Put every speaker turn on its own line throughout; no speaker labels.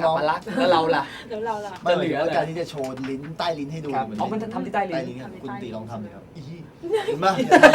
อัปลักษณ์แล้วเราล่ะ
เดี๋ยวเราล่ะ
ไม่เหลือการที่จะโชว์ลิ้นใต้ลิ้นให้ดู
อ๋อมันจะทำที่ใต้ลิ้น
ครับคุณตีลองทำเลยครับเห็นไหม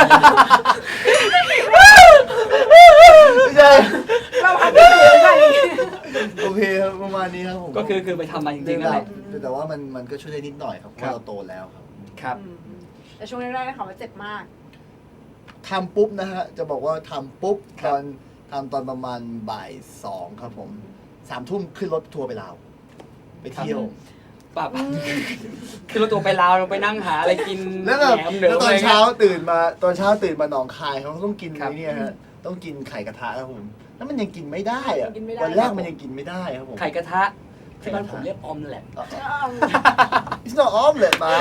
ไม่ใช่
เราทำได้เลยค่ะ
โอเคครับประมาณนี้ครับผม
ก็คือไปทำมาจริงๆนั่นแหละ
แต่ว่ามันก็ช่วยได้นิดหน่อยครับเพราะเราโตแล้วครับ
ครับ
แต่ช่วงแรกๆได้ข่าวว่าเจ็บมาก
ทำปุ๊บนะฮะจะบอกว่าทำปุ๊บตอนทำตอนประมาณบ่าย 2ครับผม3 ทุ่มขึ้นรถทัวร์ไปลาวไปเที่ยว
ป่ะคือเราตัวไปลาวเราไปนั่งหาอะไรกิน
แล้วแบบ
หนมเหนื
แล้วตอน
อะไร
เช้า
งี้ย
ตื่นมาหนองคายเขาต้องกิน
ครับ
ไอ้เนี่ยฮะต้องกินไข่กระทะครับผมแล้วมันยังกินไม่ได้อะ
กินไม่ได้
วันแรกมันยังกินไม่ได้ครับผม
ไข่กระทะที่บ้านผมเรียกออมแหละ
It's not omelet มา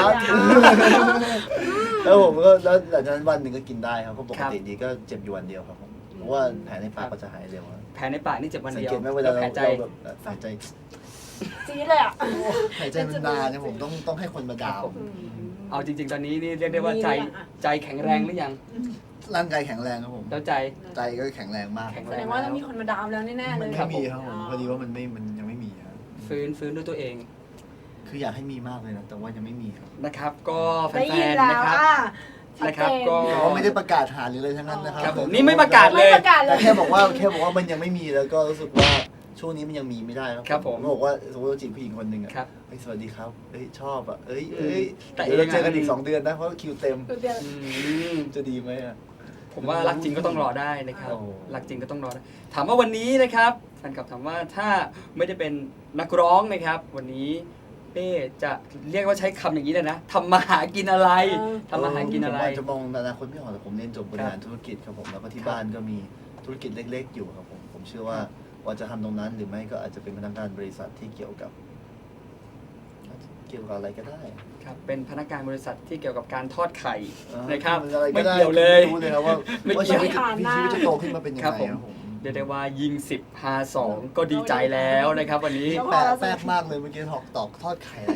แล้วผมก็แล้วหลังจากนั้นวันหนึ่งก็กินได้ครับเพราะปกติดีก็เจ็บอยู่วันเดียวครับผมเพราะว่าแผลในปากก็จะหายเร็วครับ
แผลในปากนี่เจ็บวัน
สัง
เดียว
เกตไหมเวลา
แผลใจ
เราแบบหายใจ
จี๊ดเลยอ่ะ
หายใจมันนานเนี่ยผมต้องให้คนมาดาว
เอาจริง ๆ ตอนนี้นี่เรียกได้ว่าใจแข็งแรงหรือยัง
ร่างกายแข็งแรงครับผม
แล้วใจ
ใจก็แข็งแรงมาก
แข็ง
แส
แร
ด
ง
งว่าต้องมีคนมาดามแล้วแน่ๆเล
มัน
ย
ไม่มีครับผมพอดีว่ามันยังไม่มีครับ
ฟื้นด้วยตัวเอง
คืออยากให้มีมากเลยนะแต่ว่ายังไม่มีครับ
นะครับ ก็แฟ
ได้ยิน
นๆ
แล้
นะ
ว
ครับ
ชัด
นะครับ
เจน
ก็
แต่ว่าไม่ได้ประกาศหาหรืออะไรทั้งนั้นนะครั
ครับผมนี่ไม่ประกาศเล
ไม่
ย
ประกาศเล
แต่
ย
แค่บอกว่ามันยังไม่มีแล้วก็รู้สึกว่าช่วงนี้มันยังมีไม่ได้
ครับผม
บอกว่าสมมติเราจีบผู้หญิงคนหนึ่งอะ
ครับ
เฮ้ยสวัสดีครับเอ้ยชอบอ่ะเอ้ย
แต่
เดี๋ยวเรา
เองอะ
เจอกันอีก2 เดือนนะเพราะคิวเต็ม
อืม
จะดีไหมอ่ะ
ผมว่ารักจริงก็ต้องรอได้นะครับ
โอ้
รักจริงก็ต้องรอได้ถามว่าวันนี้นะครับแฟนคลับถามว่าถ้าไม่ได้เป็นนักร้องนะครับ วันนี้เป้จะเรียกว่าใช้คำอย่างนี้เลยนะทำมาหากินอะไรทำมาหากินอะไร
ผมจะมองอนาคตไม่ออกแต่ผมเรียนจบบริหารธุรกิจครับผมแล้วก็ที่บ้านก็มีธุรกิจเล็กๆอยู่ครับผมเชื่อว่าจะทำตรงนั้นหรือไม่ก็อาจจะเป็นพนักงานบริษัทที่เกี่ยวกับอะไรก็ได้
ครับเป็นพนักงานบริษัทที่เกี่ยวกับการทอดไข่
อ่า
นะครับ
อะไร
ไม่
ก็ได้
เกี่ยวเลย
รู้เลยครับว่า
ไม่เกี่ยว
ชีวิตจะโตขึ้นมาเป็นยังไง
ครับผม
ครับผม
เรียกได้ว่ายิง10พา2ก็ดีใจแล้วนะครับ วันนี้
แปลกมากเลยเมื่อกี้ตอกทอดไข่อะไร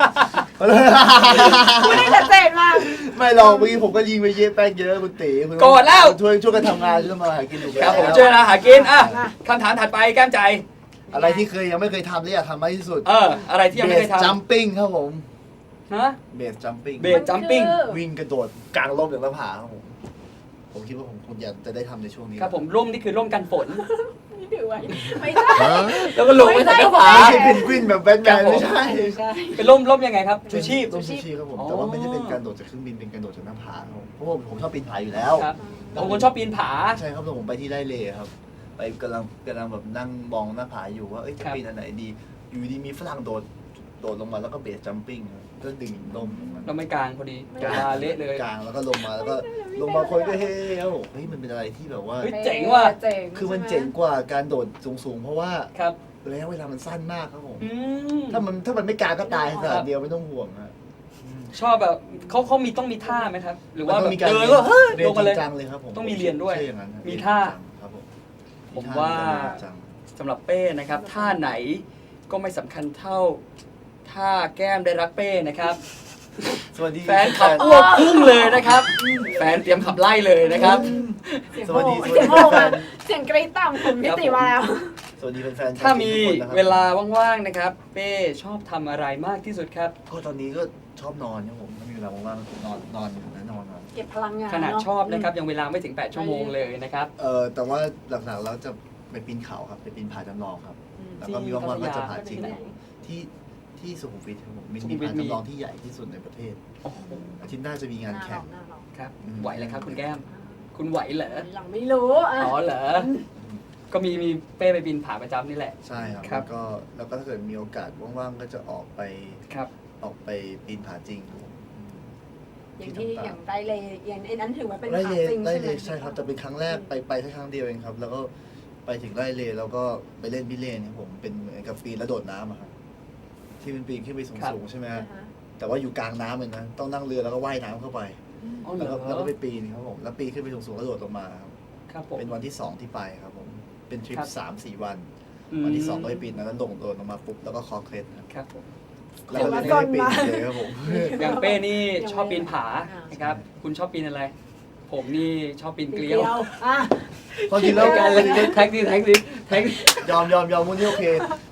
พูดได้ชัดเจนมาก
ไม่หรอกเมื่อกี้ผมก็ยิงไปเยอะแป้งเยอะคุณตีคุณ
โกรธแล้ว
ช่วยกันทำงานช่วยมาหากินถูกไหม
ครับผมช่วยนะหากินอ่ะคำถามถัดไปแก้มใจ
อะไรที่ยังไม่เคยทำและอยากทำมากที่สุด
อะไรที่ยังไม่เคย
จั
ทำ
มปิ้งครับผม
ฮะ
เบสจัมปิ้ง
เบสจัมปิ้ง
วิ่งกระโดดกลางร่มจากหน้าผาครับผมคิดว่าผมคงอยากจะได้ทำในช่วงนี้
ครับผมร่มนี่คือร่มกันฝน
นี่ถือไว้ไม่ใช่
แล้วก็ลงไปใส่กระเป๋า
ไม่ใช่เพนกวินแบบแบทแมนไม่ใช่
ใช่
เป็นร่มยังไงครับชูชีพ
ต้องชูชีพครับผม
อ๋อ
แต่ว่าไม่ได้เป็นการโดดจากเครื่องบินเป็นการโดดจากหน้าผาครับผมเพราะผมชอบปีนผาอยู่แล้ว
ครับบางคนชอบปีนผา
ใช่ครับแล้วผมไปที่ไร่เลครับไปกำลังแบบนั่งมองหน้าผาอยู่ว่าเอ้ยจะ
ครับ
ปีนอันไหนดี อยู่ดีมีฝรั่งโดดลงมาแล้วก็เบสจัมปิ้งก็ดึงลมลงมา
เราไม่กลางพอดีเวลาเละเลย
กลางแล้วก็ลงมาแล้วก็ลงมาคนก็เฮ้ครับผมเฮ้ยมันเป็นอะไรที่แบบว่า
เฮ้ย เจ๋งว่ะ
เจ๋ง
คือมันเจ๋งกว่าการโดดสูงๆเพราะว่า
ครับ
ระยะเวลามันสั้นมากครับผม
อืม
ถ้ามันไม่กลางก็ตายขนาดเดียวไม่ต้องห่วงฮะ
ชอบแบบเขาต้องมีท่าไหมครับ หรือว่า
มัน
แบ
ต้ง
บ
มีการ
เดินก็เฮ้ย
เรีย
ล
น
งมา
จ
เล
ริ
ย
งจังเลยครับผม
ต้องมีเรียนด้วย
ใช่อย่างนั้น
มีท่า
ครับผม
ผมว่า
จริงจัง
สำหรับเป้นะครับท่าไหนก็ไม่สำคัญเท่าท่าแก้มได้รักเป้นะครับ
สวัสดี
แฟนขับอ้วกพุ่งเลยนะครับ แฟนเตรียมขับไล่เลยนะครับ
สวัสดี
เสียงโอ้มาเสียงกรี๊ดต่ำคุณพิติมาแล้ว
สวัสดีแฟนๆ
ถ้ามี
ทุกคนนะครับ
เวลาว่างๆนะครับ เป้ชอบทำอะไรมากที่สุดครับ
ก็ตอนนี้ก็ชอบนอนครับผมถ้ามีเวลาว่างๆก็นอนอยู่นะนอน
เก็บพลังงาน
ขนาด
เะ
ชอบนะครับยังเวลาไม่ถึง8ชั่วโมงเลยนะครับ
แต่ว่าหลักๆแล้วจะไปปีนเขาครับไปปีนผาจำลองครับ แล้วก็มีว่างๆก็จะผาจริงที่สุขุมวิทครับผมมี
สุขุมวิท
ผาจำลองที่ใหญ่ที่สุดในประเทศ
โอ้โห
อาทิตย์หน้าจะมีงานแข่ง
หน้าเรา
ครับไหวเลยครับคุณแก้ม คุณไหวเหรอ
หลังไม่รู้อ่ะ
อ๋อเหรอก็มีเป้ไปบินผาประจำนี่แหละ
ใช่ครับ
ครับ
แล้วก็ถ้าเกิดมีโอกาสว่างๆก็จะออกไป
ครับ
ปีนผาจริงครับผม
อย่างที่อย่างไดเลยอย่างไอ้นั้นถือว่าเป็น
ไร่
ขา
เล
จริง
ไร่
ใช่ไห
เล
ม
ใช่ครับแต่เป็นครั้งแรกไปแค่ครั้งเดียวเองครับ แล้วก็ไปถึงไร่เลแล้วก็ไปเล่นพิเรนครับผมเป็นเหมือนกับปีนแล้วโดดน้ำอะครับที่เป็นปีนขึ้นไปสูงๆใช่ไหมฮะแต่ว่าอยู่กลางน้ำเลยนะต้องนั่งเรือแล้วก็ว่ายน้ำเข้าไป
อ๋อเหร
แล้ว
อ
ก็ไปปีนครับผมแล้วปีนขึ้นไปสูงๆแล้วโดดลงมาครับ
ครับผม
เป็นวันที่2ที่ไปครับผมเป็นทริป
ครับ
3-4 วัน วันที่2ก็ไปปีนแล้วโโดดลงมาปุ๊บแล้วก็คอเคล็ดครับ
ครับผม
แล้วก็เลยไม่ได้ปีนเลยครับผม
อย่างเป้นี่ชอบปีนผานะครับ คุณชอบปีนอะไร ผมนี่ชอบปีนเกลียว
อ่ะ
พอดีแล้ว
การเลยแท็กซี่
ยอมวันนี้โอเค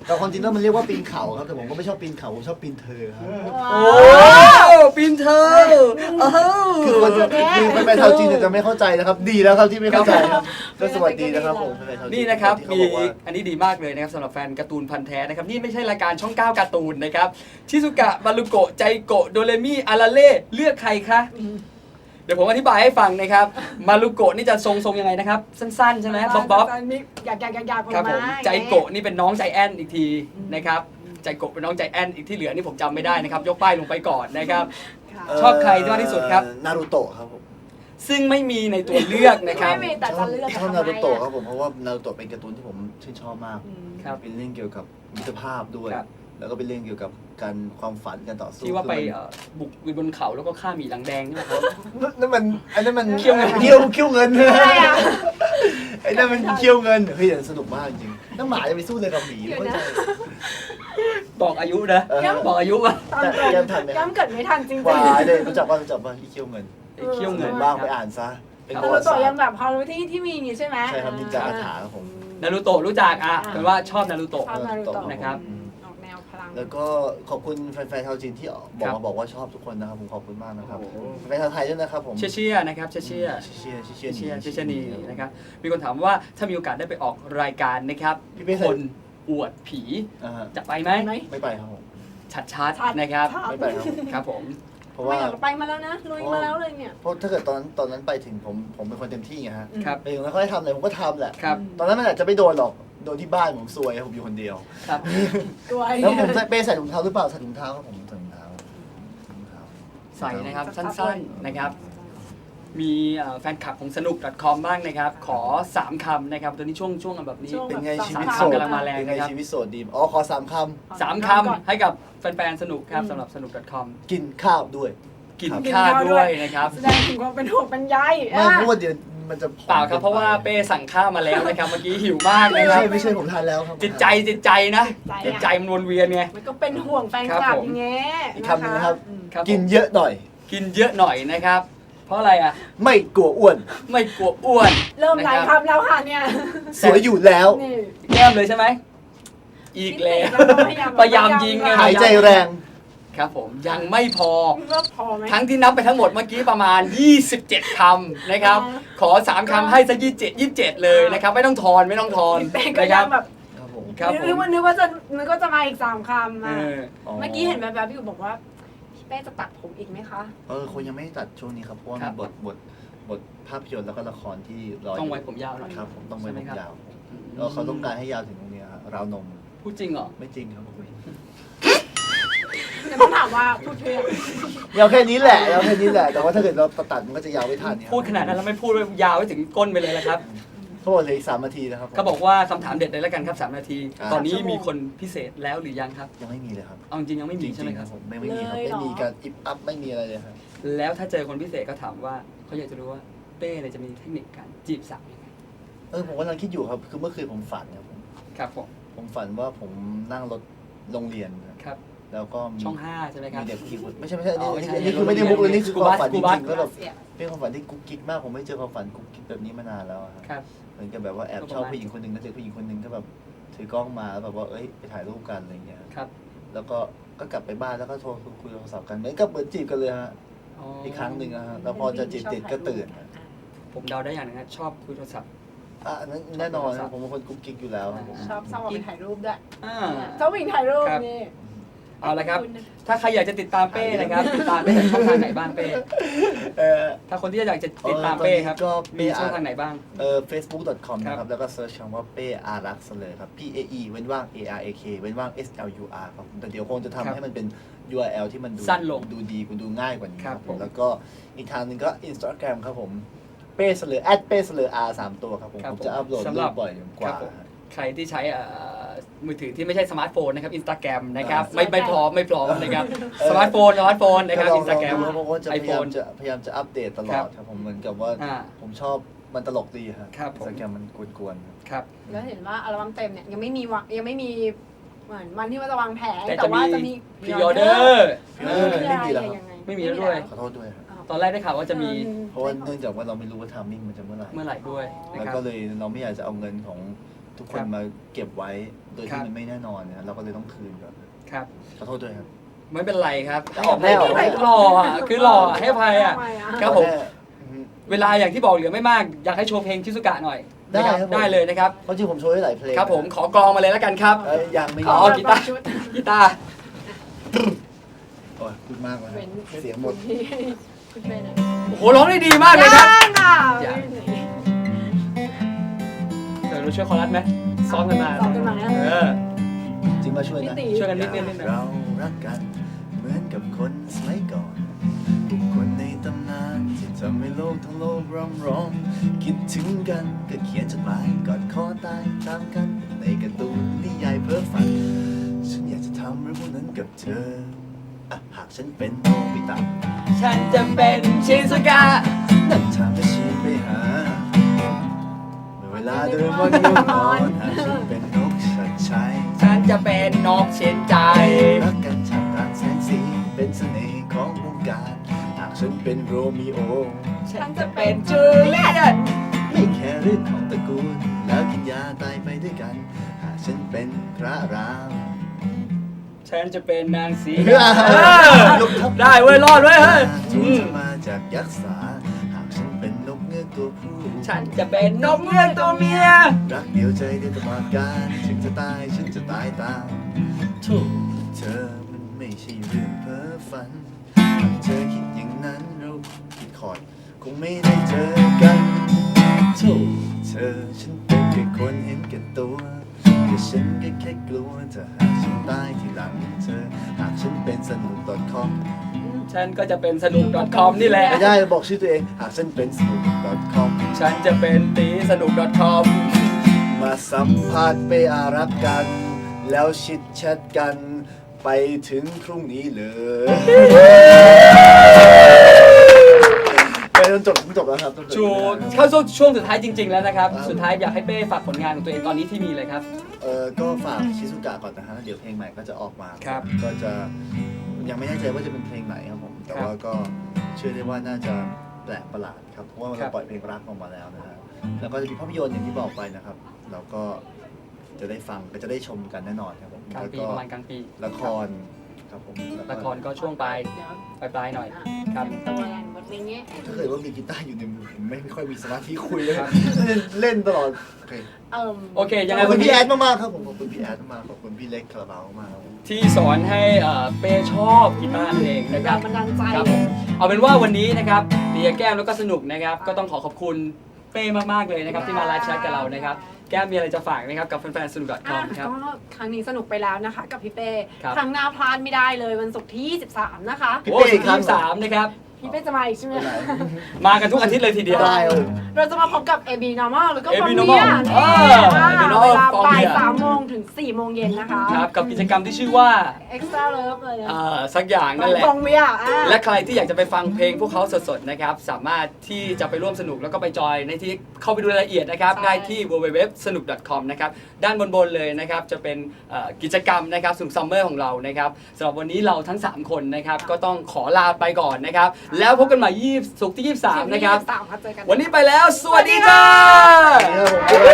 แต่ความจริงแล้วมันเรียกว่าปีนเขาครับแต่ผมก็ไม่ชอบปีนเขาผมชอบปีนเธอครับ
โอ้ปีนเธอ
คือคนคือแฟนๆชาวจีนเนี่ยจะไม่เข้าใจนะครับ ดีแล้วครับที่ไม่เข้าใจครับก็สวัสดีนะครับผมแฟนๆชาวจีน
นี่นะครับ
ที่เขา
มี
บอกว่า
อันนี้ดีมากเลยนะครับสำหรับแฟนการ์ตูนพันธุ์แท้นะครับนี่ไม่ใช่รายการช่อง 9 การ์ตูนนะครับชิซุกะมารุโกะใจโกะโดเรมิอาราเล่เลือกใครคะเดี๋ยวผมอธิบายให้ฟังนะครับมารุโกะนี่จะทรงยังไงนะครับสั้นๆใช่ไหมบ๊อบ
อยาก
ครับผมใจโกะนี่เป็นน้องใจแอนอีกทีนะครับใจโกะเป็นน้องใจแอนอีกที่เหลือนี่ผมจำไม่ได้นะครับยกป้ายลงไปก่อนนะครับชอบใครมากที่สุดครับ
นารูโตะครับผม
ซึ่งไม่มีในตัวเลือกนะครับ
ไม่มีแต่จะเลือก
ชอบนารูโตะครับผมเพราะว่านารูโตะเป็นการ์ตูนที่ผมชื่นชอบมาก
ครับ
เป็นเรื่องเกี่ยวกับมิตรภาพด้วย
ครับ
แล้วก็เป็นเรื่องเกี่ยวกับการความฝันการต่อสู้
ที่ว่าไป
คือมัน
บุกบนเขาแล้วก็ฆ่าหมีหลังแดงใช่ไหมครับ
นั่นมันอันนั้นมัน
เคี่ยวเงิน
เคี่ยวเงิน
อะไรอ่ะ
ไอ้นั่นมันเคี่ยวเงินเฮ้ยแต่สนุกมากจริงน้องหมาจะไปสู้เลยกับหมี
เดี๋ยว
ไม่
นะ
ใช่
บอกอายุนะ
เออ
บอกอายุว่า
ตอน
แต่
เกิด
แกมทันไหมครับ
ย้ำเกิดไม่ทันจริงๆ
วายเลยรู้จักว่าอีเคี่ยวเงิน
ไอ้เคี่ยวเงิน
บ้างไปอ่านซะเป็น
นา
ประ
รู
วัติ
โตะ
ศาสต
ยัง
ร์
แบบพอรู้ที่มีอย่างงี้ใช่ไหม
ใช่ครับนินจาอาถาครับผม
นารูโตะรู้จักอ่ะเป็นว่าชอบนารูโตะ
ชอบนารูโตะ
นะครับ
ออกแนวพลัง
แล้วก็ขอบคุณแฟนๆชาวจีนที่บอกว่าชอบทุกคนนะครับผมขอบคุณมากนะครับแฟนชาวไทยด้วยนะครับผม
เชี่ยนะครับเชี่ย
เชีย
นีนะครับมีคนถามว่าถ้ามีโอกาสได้ไปออกรายการนะครับ
พี่เป้
คนอวดผี จะไปไหม
ไม่ไปครับผม
ชัดๆนะครับ
ไม่ไปครับ
ครับผม
เพราะ
ไม่
ว่า
อยากไปมาแล้วนะลุยมาแล้วเลยเนี่ย
เพราะถ้าเกิดตอนนั้นไปถึงผมเป็นคนเต็มที่ไงฮะ
ครับ
ไปถึงแล้วเขาให้ทำอะไรผมก็ทำแหละ
ครับ
ตอนนั้นมันอาจจะไม่โดนหรอกโดนที่บ้านผมซวยผมอยู่คนเดียว
ครับ
ตัว
แล้วผมเป้ใส่ถุงเท้าหรือเปล่าใส่ถุงเท้าครับผมใส่ถุงเท้า
ใส่นะครับสั้นๆนะครับ มีแฟนคลับของสนุก .com บ้างนะครับ ขอ 3 คำนะครับตอนนี้ช่วงแบบนี้
เป็นไงชีวิต
3
โสด
คำกำลังมาแรง
เป็นไง
นะครับ
ชีวิตโสดดีขอ3 ค
3 คำให้กับแฟนๆสนุกครับสำหรับสนุก .com
ำกินข้าวด้วย
กินข้าวด้วยนะครับ
แสดงถึงความเป็นห่วงเป็นใย
ไม่เพราะว่าเดี๋ยวมันจะผอม
เปล่าครับเพราะว่าเป้สั่งข้าวมาแล้วนะครับเมื่อกี้หิวมากนะครับ
ไม่ใช่ผมทานแล้วครับ
จิตใจนะจิตใจมันวนเวียนไง
มันก็เป็นห่วงแฟนคลับอย่างเงี้ย
อีกคำหนึงนะครับ
ครับ
กินเยอะหน่อย
กินเยอะหน่อยนะครับ เพราะอะไรอ่ะ
ไม่กลัวอ้วน
ไม่กลัวอ้วน
เริ่มหลาย
นะครับ
คำแล้วค่ะเนี่ย
สวยอยู่แล้ว
นี่
แก้มเลยใช่ไหมอีกแล้วพยายามยิงไง
หายใจแรง
ครับผมยังไม่พอ
ก็พอไหม
ทั้งที่นับไปทั้งหมดเมื่อกี้ประมาณ 27 คำนะครับ ขอ 3 คำให้ซะ27 เลยนะครับ ไม่ต้องทอนไม่ต้องทอน
เป้ก็
นะค
ยั
รั
ง
บ
แบบ
ครับผม
ครับผม
นึกว่าจะมาอีก3 คำ
เอ
อ่ะ
อ
เมื่อกี้เห็นแบบๆอยู่บอกว่าพี่เป้จะตัดผมอีกไหมคะ
คนยังไม่ได้ตัดช่วงนี้ครับเพราะว่า
ครั
มี
บ
บทภาพยนตร์แล้วก็ละครที่รออยู่
ต้องไว้ผมยาวหน่อย
ครับผมต้องไว้ผมยาว
อืม
แล้วเขาต้องการให้ยาวถึงตรงเนี้ยครับราวนม
พูดจริงเหรอ
ไม่จริงครับผม
แต่ต้องถามว่าพูดเพื่อย
าวแค่นี้แหละแต่ว่าถ้าเกิดเราตัดมันก็จะยาวไม่ทันเนี่ย
พูดขนาดนั้นแล้วไม่พูดยาวไปถึงก้นไปเลยละครับ
เขาบอกเหลยอีก3 นาทีนะครับผม
เขาบอกว่าคำถามเด็ดเลยแล้วกันครับ3 นาที
อ่า
ตอนนี้มีคนพิเศษแล้วหรือยังครับ
ยังไม่มีเลยครับ
เอาจริงๆยังไม่มีใช่ไหม
จงๆ
ครับ
ผมไม่มีครับไม่มีการอิฟอัพไม่มีอะไรเลยครับ
แล้วถ้าเจอคนพิเศษก็ถามว่าเขาอยากจะรู้ว่าเป้เนี่ยจะมีเทคนิคการจีบสาวยังไง
ผมกำลังคิดอยู่ครับคือเมื่อคืนผมฝันครับผม
ครับผม
ผมฝันว่าผมนั่งรถโรงเรียนครับ แล้วก็มี
ช่อง 5 ใช่ไหมครับ
มีเด็กขี่ไม่ใช่อัน
อ๋อไม่ใช่
นี้คือไม่ได้มุกเลยนี่คือความฝันจ
กูบัส
ริงๆแล้วแบบเป็นความฝันที่กุ๊กกิ๊กมากผมไม่เจอความฝันกุ๊กกิ๊กแบบนี้มานานแล้วอะครับ
ครับ
เหมือนกับแบบว่าแอบชอบผู้หญิงคนหนึ่งแล้วเจอผู้หญิงคนหนึ่งก็แบบถือกล้องมาแล้วแบบว่าเอ้ยไปถ่ายรูปกันอะไรเงี้ย
ครับ
แล้วก็กลับไปบ้านแล้วก็โทรคุยโทรศัพท์กันเหมือนกับเหมือนจีบกันเลยฮะอีกครั้งหนึ่งนะฮะแล้วพอจะจีบติดก็ตื่น
ผมเดาได้อย่างหนึงนะชอบคุยโทรศัพท์
อันนั้นแน่นอนครับผมเป็นคนกุ๊กกิ๊กอยู่แล้วครับผม
ชอบชอบไปถ่ายรูปด้วย
อ่า
ชอบวิ่งถ่ายรูป
ครับ
นี่
เอาละครับ ถ้าใครอยากจะติดตามเป้นะครับติดตามได้จากช่องทางไหนบ้างเป้
เอ่อ
ถ้าคนที่อยากจะติดตามเป้ครับ
ก็
มีช่องทางไหนบ้าง
facebook.com
ครับ
นะครับแล้วก็เซิร์ชคำว่าเป้อารักษ์เลยครับ PAE เว้นว่าง ARAK เว้นว่าง SLUR ครับแต่เดี๋ยวคงจะทำให้มันเป็น URL ที่มันดู
สั้นลง
ดูดีดูง่ายกว่านี้
ครับผม
แล้วก็อีกทางหนึงก็ Instagram ครับผมเป้เสลอเป้เสลอ R 3 ตัวครับผมผมจะอัพโหลด
สำห
รู
รับ
ปบ่อยกว่า
ครับผม ใครที่ใช้มือถือที่ไม่ใช่สมาร์ทโฟนนะครับ Instagram นะครับไม่พร้อมนะครับสมาร์ทโฟนนะครับ Instagram
เพราะว่าจะพยายาม
iPhone
จะอัปเดตตลอดครับผมเหมือนกับว่า
อ่า
ผมชอบมันตลกดีครับ
ครับผม
Instagram มันกวนๆครับ
ครับ
แล้วเห็นว่าอัลบั้มเต็มเนี่ยยังไม่มีเหมือนวันที่ว่าจะวางแผง
แต่
แต่ว่าจะมี
พรีออเดอร์
ไม่มีแล้วครับ
ไม่มีแล้วด้วย
ขอโทษด้วยครับ
ตอนแรกได้ข่าวว่าจะมี
เพราะว่าเนื่องจากว่าเราไม่รู้ว่าทามมิ่งมันจะเมื่อไหร่
เมื่อไหร่ด้วยนะ
แล้ว
ครับ
ก็เลยเราไม่อยากจะเอาเงินของทุกค
ครั
น
บ
มาเก็บไว้โดย
ครั
ที่
บ
มันไม่แน่นอนนะเราก็เลยต้องคืนก่อน
ครับ
ขอโทษด้วยครับ
ไม่เป็นไรครับ
จะออกแน่เหรอ
ให้หล่ออ่ะคือหล่อให้อภัยอ่ะ
ทำไมอะ
ครับผม
อืม
เวลาอย่างที่บอกเหลือไม่มาก อยากให้โชว์เพลงชิซุกะหน่อย
ได้
นะครับ
ผม
ได้เลยนะครับ
เพราะจริงผมโชว์ได้หลายเพลง
ครับผมขอกลองมาเลยแล้วกันครับ
ยังไม่
อ๋อ กีตาร์
ชุด
กีตาร์
โอ้ยพูดมากเลย
เว้น
เสียงหมด
คุณเป็นอะ
โอ้โหร้องได้ดีมากเลยครับ
ยังอ่ะ
ยัง เดี๋ยวเราช่วยคอรัสไหมซ้อมกันมา
ซ้อมกันมาเนี่ย
เออ
จริงมาช่วยนะ
พี่ตี
ช่วยกันนิดนึง
เรารักกันเหมือนกับคนสมัยก่อนบุคคลในตำนานที่ทำให้โลกทั้งโลกร้องร้อง คิดถึงกันก็เขียนจดหมายกอดคอตายตามกันในการ์ตูนนิยายเพ้อฝัน ฉันอยากจะทำเรื่องพวกนั้นกับเธออ่ะหากฉันเป็นโนบิตะ
ฉันจะเป็นชิซุกะ
นั่นทางที่ชีไปหาเมื่อเวลาเดินวันง่วงนอนหากฉันเป็นนกชัดชัย
ฉันจะเป็นนกเช่นใจ
รักกันท่ามกลางแสงสีเป็นเสน่ห์ของวงการ หากฉันเป็นโรมิโอ
ฉันจะเป็นจูเลียต
ไม่แค่เรื่องของตระกูล แล้วกินยาตายไปด้วยกัน หากฉันเป็นพระราม
ฉันจะเป็นนางสี
เออ
ได้เว้ยรอดเว้ยเฮ้ย
จู
อืม
จะมาจากยักษ์สา หากฉันเป็นนกเงือกตัวผู้
ฉันจะเป็นนกเงือกตัวเมีย
รักเดียวใจเดียวตลอดกาลถึงจะตายฉันจะตายตามถูกเธอมันไม่ใช่เรื่องเพ้อฝันหากเธอคิดอย่างนั้นเราผิดคอร์ดคงไม่ได้เจอกันถูกเธอฉันเป็นแค่คนเห็นแก่ตัวแต่ฉันก็แค่กลัวถ้าหากฉันตายทีหลังเธอ หากฉันเป็นสนุก .com
ฉันก็จะเป็นสนุก .com นี่แหละ
ไม่ได้บอกชื่อตัวเอง หากฉันเป็นสนุก .com
ฉันจะเป็นตีสนุก .com
มาสัมภาษณ์ไปอารักกัน แล้วชิดแชทกัน ไปถึงพรุ่งนี้เลยไปจนจบแล้วครับจนจบ
ชูเข้าช่วงสุดท้ายจริง ๆ แล้วนะครับ สุดท้ายอยากให้เป้ฝากผลงานของตัวเองตอนนี้ที่มีเลยครับ
ก็ฝากชิซุกะก่อนนะฮะเดี๋ยวเพลงใหม่ก็จะออกมา
ครับ
ก็จะยังไม่แน่ใจว่าจะเป็นเพลงไหนครับผม แต่ว่าก็เชื่อได้ว่าน่าจะแปลกประหลาดครับเพราะว่า
ครั
เรา
บ
ปล่อยเพลงรักออกมาแล้วนะฮะแล้วก็จะมีภาพยนตร์อย่างที่บอกไปนะครับแล้วก็จะได้ฟังก็จะได้ชมกันแน่นอนครับผม
กลาง
แล้ว
ปี
ก็
ประมาณกลางปี
ละครครับผมแล้วก็
ละครก็ช่วงปลาย
เดี๋ยว
ปลายๆหน่อย ครับ
ตัวอะไรบทเพลงนี้
ถ้าเกิดว่ามีกีตาร์อยู่ในมือผมไม่ค่อยมีสมาธิคุยเลย
ครับ
เล่นตลอดโอเค
โอเค ยัง
ข
ไง
อบคุ
วั
ณ
น
พี่
นี้
แอดมากๆครับผมขอบคุณพี่แอดมากๆขอบคุณพี่เล็กคาราบาวมากๆครับผม
ที่สอนให้เป้ชอบกีตาร์นั่นเองนะค
แร
รับ
งบันดาลใจ
ครับผมเอาเป็นว่าวันนี้นะครับเตียแก้มแล้วก็สนุกนะครับ ก็ต้องขอบคุณเป้มากๆเลยนะครับที่มาไลฟ์แชทกับเรานะครับแก้มมีอะไรจะฝากนะครับกับแฟนๆสนุก .com ครับ
ก็ครั้งนี้สนุกไปแล้วนะคะ กับพี่เป้
ครับ
ครั้งหน้าพลาดไม่ได้เลยวันศุกร์ที่ 23 นะคะ
พี่
โอ้
เป้
สุด
ครั
ที่
บ
3นะครับ
พี่เป้จะมาอีกใช่ไหม
มากันทุกอาทิตย์เลยทีเดียว
ได้ครับ
เราจะมาพบกับ AB Normal หรือก็
AB
ฟอร์เมี
Normal
ย
AB Normal
เวลาบ่าย
Formia
3 โมงถึง 4 โมงเย็นนะคะ
ครับกับกิจกรรมที่ชื่อว่า
Extra Love เลยนะ
สักอย่างนั่นแหละ
ฟองเมีย
และใครที่อยากจะไปฟังเพลงพวกเขาสดๆนะครับสามารถที่จะไปร่วมสนุกแล้วก็ไปจอยในที่เข้าไปดูรายละเอียดนะครับ
ใช่
ได้ที่ www.sanuk.com นะครับด้านบนๆเลยนะครับจะเป็นกิจกรรมนะครับสนุกซัมเมอร์ของเรานะครับสำหรับวันนี้เราทั้ง 3 คนนะครับก็ต้องขอลาไปก่อนนะครับแล้วพบกันใหม่ศุกร์ที่ 23 นะครับ
23ค่ะเจอกัน
วันนี้ไปแล้ว สวัสดีจ้า
ครับผม